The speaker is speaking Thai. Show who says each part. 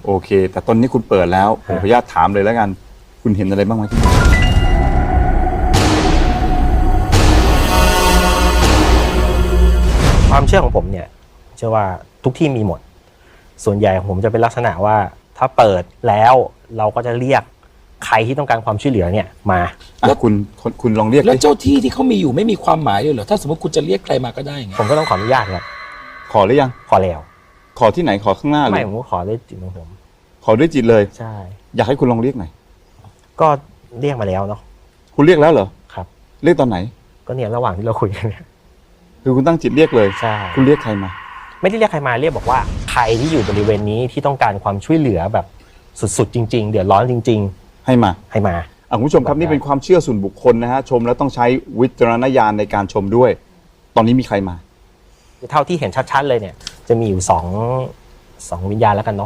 Speaker 1: โอเคแต่ตอนนี้คุณเปิดแล้วผมขออนุญาตถามเลยแล้วกันคุณเห็นอะไรบ้างไหมที่นี่
Speaker 2: ความเชื่อของผมเนี่ยเชื่อว่าทุกที่มีหมดส่วนใหญ่ของผมจะเป็นลักษณะว่าถ้าเปิดแล้วเราก็จะเรียกใครที่ต้องการความช่วยเหลือเนี่ยมา
Speaker 1: แล้วคุณลองเรียก
Speaker 3: แล้วเจ้าที่ที่เขามีอยู่ไม่มีความหมายเลยเหรอถ้าสมมติคุณจะเรียกใครมาก็ได้ไง
Speaker 2: ผมก็ต้องขออนุญาตครับ
Speaker 1: ขอหรือยัง
Speaker 2: ขอแล้ว
Speaker 1: ขอที่ไหนขอข้างหน้าเล
Speaker 2: ไม่
Speaker 1: ย
Speaker 2: ผมก็ขอด้วยจิตของผม
Speaker 1: ขอด้วยจิตเลย
Speaker 2: ใช่
Speaker 1: อยากให้คุณลองเรียกหน่อย
Speaker 2: ก็เรียกมาแล้วเนาะ
Speaker 1: คุณเรียกแล้วเหรอ
Speaker 2: ครับ
Speaker 1: เรียกตอนไหน
Speaker 2: ก็เนี่ยระหว่างที่เราคุยกันเนี่ย
Speaker 1: คือคุณตั้งจิตเรียกเลย
Speaker 2: ใช่
Speaker 1: คุณเรียกใครมา
Speaker 2: ไม่ได้เรียกใครมาเรียกบอกว่าใครที่อยู่บริเวณนี้ที่ต้องการความช่วยเหลือแบบสุดๆจริงๆเดือดร้อนจริง
Speaker 1: ให้มา
Speaker 2: ๆ ให้มา
Speaker 1: คุณผู้ชมครับนี่เป็นความเชื่อส่วนบุคคลนะฮะชมแล้วต้องใช้วิจารณญาณในการชมด้วย ตอนนี้มีใครมา
Speaker 2: เท่าที่เห็นชัดๆเลยเนี่ยจะมีอยู่สองวิญญาณแล้วกันเนาะ